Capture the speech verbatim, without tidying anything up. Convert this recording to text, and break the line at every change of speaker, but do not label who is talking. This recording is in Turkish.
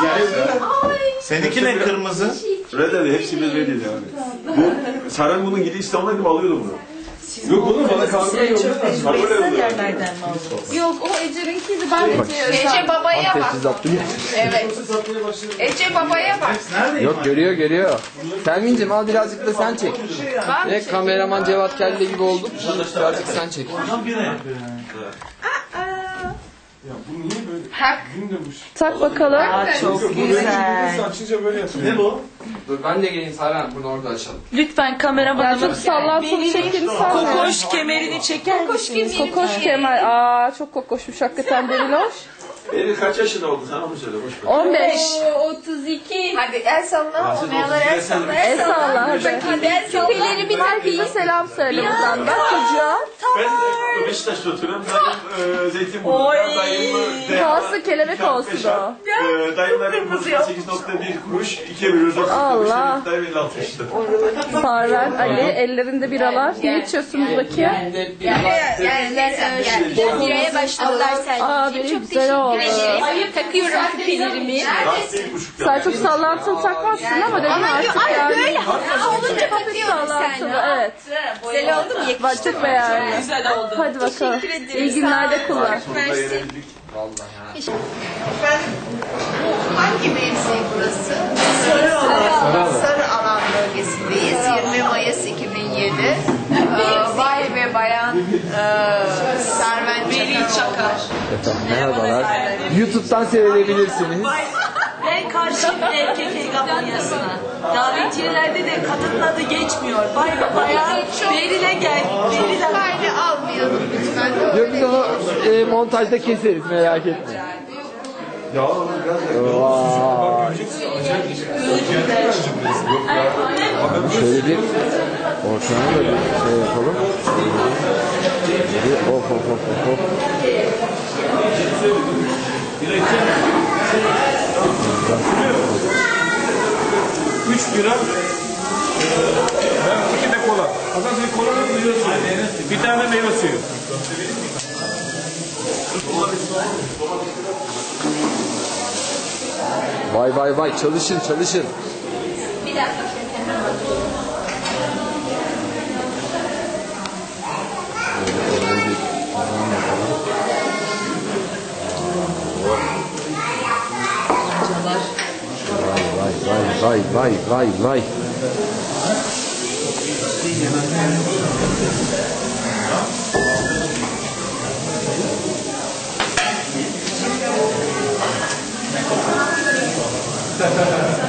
Seninki ne kırmızı?
Red dedi, hepsi bir red dedi yani. Bu Saren bunun gidi İstanbul'a gibi alıyordu bunu. Yok oğlum bana kahve yok. Kahve
yerlerden mi aldınız?
Yok o Ece'ninkiydi ben Ece'ye.
Ece babaya bak. Evet.
Evet.
Ece babaya bak.
Yok görüyor görüyor. Selmin'cim al birazcık da sen çek. Ne kameraman Cevat Kelle gibi olduk. Birazcık sen çek.
Ya bu niye böyle?
Tak.
Tak bakalım.
Aa, çok güzel.
Açınca böyle yapıyor.
Ne bu?
Dur ben de geleyim Saren bunu orada açalım.
Lütfen kameramanımın
Ya çok sallantılı şeklini sanmıyorum.
kokoş kemerini çeker misiniz?
Kokoş Kemal. Aa çok kokoşmuş hakikaten Beriloş.
Beni kaç yaşında oldu sen onu söyle boş ver.
on beş.
otuz iki. Hadi el salla. Olmayanlara el salla.
El salla hadi.
Hadi el salla.
Küpeleri bir herkese selam söyle buradan da çocuğa.
Ben Beşiktaş'ta oturuyorum. Dayım e, Zeytinburnu'da. Dayım e,
Kalsın kelebek olsun o.
e, Dayımların doksan sekiz nokta bir kuruş. ikiye bölüyoruz.
Allah.
Dayım elli altı işte.
Sarven Ali ellerinde biralar. Ne içiyorsunuz bakayım?
Bireye başladılar sen.
Aa benim güzel oldu.
Takıyorum küpelerimi.
Sen çok sallantılı takmazsın ama dedim artık yani.
Böyle olunca takıyorum sen.
Sallantılı evet.
Güzel oldu mu?
Bak çok beğendim.
Güzel oldu.
Hadi bakalım. İyi günlerde kullan.
Efendim, bu hangi mevzi burası? Sarı alan. Sarı alan bölgesindeyiz. yirmi Mayıs iki bin yedi. Ee, Bay ve Bayan e, Serven Çakar.
Efendim merhabalar. YouTube'dan seyredebilirsiniz.
Ben karşıyım erkek hegemonyasına. Davetiyelerde de kadının adı geçmiyor. Bay ve bayan Beril'e gel. Beril'e
Kaydı almayalım lütfen.
Yok biz onu e, montajda keseriz merak etme.
Ya
Şöyle bir ortamı da bir şey yapalım. Bir of of of of of.
üç bira, ben iki de kola. Hasan sen kolanın meyve suyu. Bir tane meyve suyu.
Vay vay vay çalışın çalışın.
Bir dakika.
Vay vay vay vay vay.
Ha ha ha.